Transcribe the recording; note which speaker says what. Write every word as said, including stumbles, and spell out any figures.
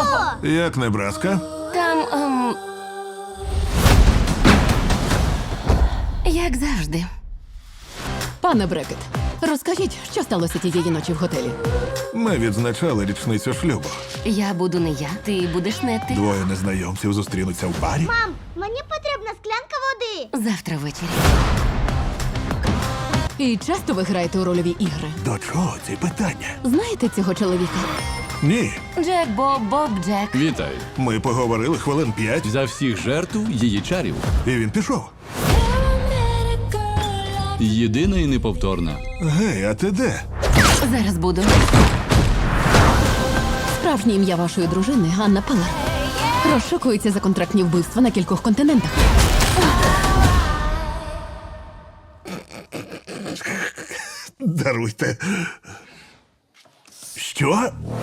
Speaker 1: Як Небраска?
Speaker 2: Там. Ем... Як завжди.
Speaker 3: Пане Брекет, розкажіть, що сталося тієї ночі в готелі?
Speaker 1: Ми відзначали річницю шлюбу.
Speaker 2: Я буду не я, ти будеш не ти.
Speaker 1: Двоє незнайомців зустрінуться в барі.
Speaker 4: Мам, мені потрібна склянка води.
Speaker 2: Завтра ввечері.
Speaker 3: І часто ви граєте у рольові ігри?
Speaker 1: До чого ці питання?
Speaker 3: Знаєте цього чоловіка?
Speaker 1: Ні.
Speaker 2: Джек Боб, Боб Джек.
Speaker 5: Вітаю.
Speaker 1: Ми поговорили хвилин п'ять,
Speaker 5: За всіх жертв її чарів.
Speaker 1: і він пішов.
Speaker 5: Єдина і неповторна.
Speaker 1: Гей, а ти де?
Speaker 2: Зараз буду.
Speaker 3: Справжнє ім'я вашої дружини Анна Палер. Розшукується за контрактні вбивства на кількох континентах.
Speaker 1: Даруйте. Що?